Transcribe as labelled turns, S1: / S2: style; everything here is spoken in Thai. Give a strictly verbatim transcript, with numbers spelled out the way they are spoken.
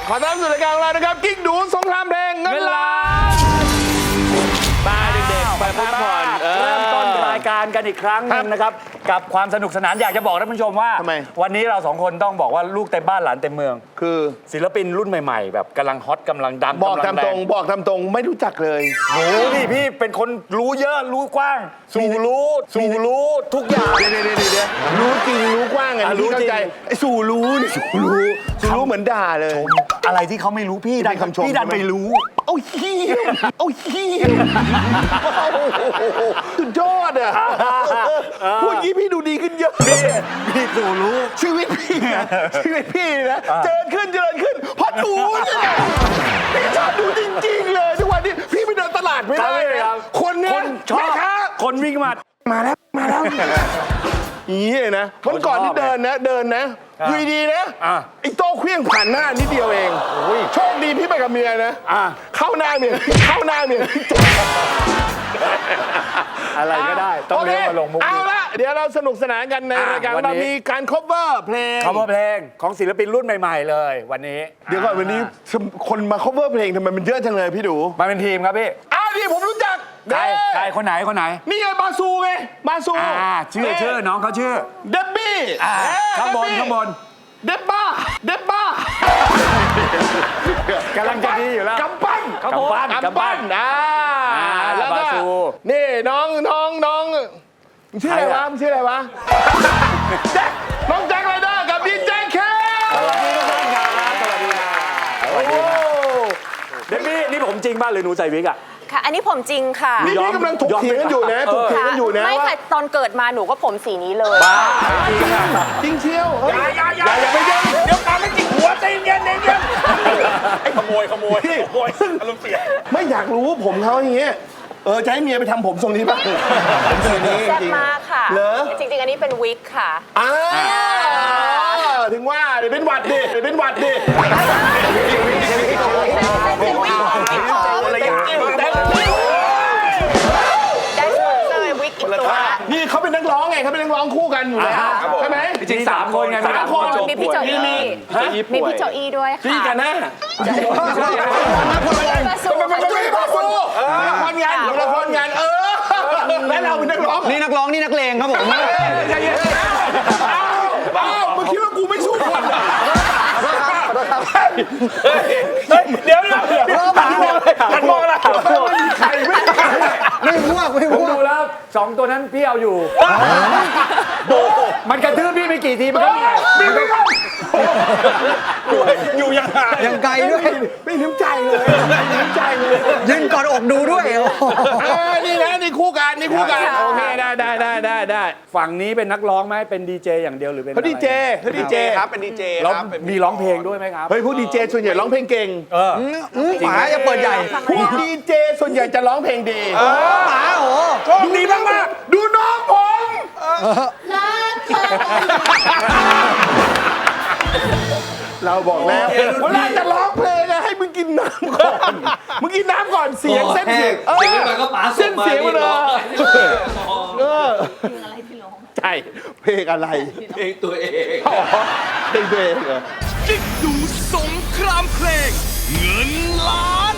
S1: ขอต้อนรับสู่รายการของเรานะครับกิ๊กดูสงครามเพลงเงินล้านมาเด็กๆไปพักผ่อน
S2: เริ่มต้นรายการกันอีกครั้งหนึงนะครับกับความสนุกสนานอยากจะบอกท่านผู้ชมว่าวันนี้เราสองคนต้องบอกว่าลูกเต็มบ้านหลานเต็มเมือง
S1: คือ
S2: ศิลปินรุ่นใหม่ๆแบบกำลังฮอตกำลังดัง
S1: บอกตามตรงบอกตามตรงไม่รู้จักเลย
S2: รู้ดิพี่เป็นคนรู้เยอะรู้กว้างสู่รู้สู่รู้ทุกอย่าง
S1: เดี๋ยวเดี๋ยวเดี๋ยวรู้จริงรู้กว้างไงรู้เข้าใจไอ้สู่รู้นี่สู่รู้สู่รู้เหมือนด่าเลย
S2: อะไรที่เขาไม่รู้พี่ดัน
S1: คำชม
S2: พี่ดันไปรู้
S1: โอ้ยเฮียโอ้ยเฮียสุดยอดอ่ะพูดงี้พี่ดูดีขึ้นเยอะ
S2: พี่พี่สู่รู้
S1: ชีวิตพี่ชีวิตพี่นะเจริญขึ้นเจริญขึ้นเพราะดูนี่แหละพี่ชอบดูจริงๆเลยทุกวันนี้พี่ไปเดินตลาดไม่ได้เลยคนเนี้ย
S2: ชอบคนวิ่งมา
S1: มาแล้วมาแล้วนี่นะวันก่อนที่เดินนะเดินนะอยู่ดีนะไอ้โต้เครื่องผ่านหน้านิดเดียวเองโชคดีพี่ไปกับเมียนะเข้าหน้าเมียเข้าหน้าเมีย
S2: อะไรก็ได้ต้องเลี้ยงมาลงมุก
S1: เอาละเดี๋ยวเราสนุกสนานกันในรายการเรามีการ cover เพลง
S2: cover เพลงของศิลปินรุ่นใหม่ๆเลยวันนี้
S1: เดี๋ยวก่อนวันนี้คนมา cover เพลงทำไมมันเยอะจังเลยพี่ดู
S2: มาเป็นทีมครับพี่
S1: อ้าวนี่ผมรู้จัก
S2: ใครใครคนไหนคนไหน
S1: นี่ไงบาซูไงบาซู
S2: อ่าชื่อชื่อน้องเขาชื่อ
S1: เดบบี้
S2: ข้างบนข้างบน
S1: เดบบ้าเดบบ้าก
S2: ำลังจะดีอยู่แล้ว
S1: กำปั้น
S2: กำปั้น
S1: กำปั้นอ่าแล้วก็นี่น้องน้องน้องชื่ออะไรวะชื่ออะไรวะแจ็คน้องแจ็คไรเดอร์กับดีเจเค
S2: สวัสดีทุกท่านครับสวัสดีครับสวัสดีครับเดบบี้นี่ผมจริงป่ะหรือหนูใส่วิกอ่ะ
S3: ค่ะอันนี้ผมจริงค่ะ
S1: นี่พี่กำลังถกเถียงกันอยู่นะถกเถียงกันอยู่นะ
S3: ไม่ค่ะตอนเกิดมาหนูก็ผมสีนี้เลย
S2: บ้าจริงอ่ะ
S1: จริงเชียว
S2: อย่าอย่าอย่าอย่าไปเย็นเดี๋ยวการไม่จิกหัวใจเย็นเย็นไอ้ขโมยขโมยขโมยอารมณ์เสีย
S1: ไม่อยากรู้ผมเขาอย่างเงี้ยเออจะให้เมียไปทำผมทรงนี้ป่ะผมทรงนี้
S3: แซ่บมากค่ะ
S1: เหรอ
S3: จริงๆอันนี้เป็นวิกค่ะ
S1: อ่าถึงว่าเดี๋ยวเป็นหวัดดิเดี๋ยวเป็นหวัดดิ
S3: เป็นวิก
S1: อะไรอย่างเงี้ย
S3: ได้สปอนเซอร์วิกอีกตัว
S1: นี่เขาเป็นนักร้องไงเขาเป็นนักร้องคู่กันอยู่แล้วใช่ไหม
S2: จริงสามคนไง
S1: สามคน
S3: มีพี่โจอี้มีพี่โจอี้ด้วยค่ะ
S1: พี่กันนะ
S3: มาสู้มาสู้
S1: มาสู้ละครงานละครงานเออและเราเป็นนักร้อง
S4: นี่นักร้องนี่นักเลงครับผม
S1: อ้าวมึงคิดว่ากูไม่สู้คน
S2: เดี๋ยวเดี๋ยวเดี๋ยวหันมองหันมองอะไร
S1: ใครไม่
S4: ไม่พวกไม่พวก
S2: ดูแล้วสองตัวนั้นพี่เอาอยู่มันกระทืบพี่ไปกี่ทีมันก็มี
S1: ไม่ได้
S2: อยู่ยังห่าง
S4: ยังไกลด้วย
S1: ไม่น้ำใจเลยไม่น้ำใจเลย
S4: ยืนกอดอกดูด้วย
S1: นี่นะนี่คู่กันนี่คู่กันโอเคได้ได้ได้ได้ได้
S2: ฝั่งนี้เป็นนักร้องไหมเป็นดีเจอย่างเดียวหรือเป็น
S1: เขาดีเจเขาดีเจ
S4: ครับเป็นดีเจ
S2: ครับมีร้องเพลงด้วยไหมครับ
S1: เฮ้ยพวกดีเจส่วนใหญ่ร้องเพลงเก่ง
S2: เออ
S4: หมาจะเปิดใหญ่
S1: พวกดีเจส่วนใหญ่จะร้องเพลงดี
S4: หมาโอ้
S1: ดูดีมากมากดูน้องผมเราบอกแล้วเวลาจะร้องเพลงอะให้มึงกินน้ำก่อนมึงกินน้ำก่อนเสียงเส้นเสียง
S5: เสียงมันก็ป๋าส่งมาเสียงมันเลย
S1: เออใช่เพลงอะไร
S5: เพลงตัวเอง
S1: เพลงตัวเองเหรอ
S6: กิ๊กดูสงครามเพลงเงินล้าน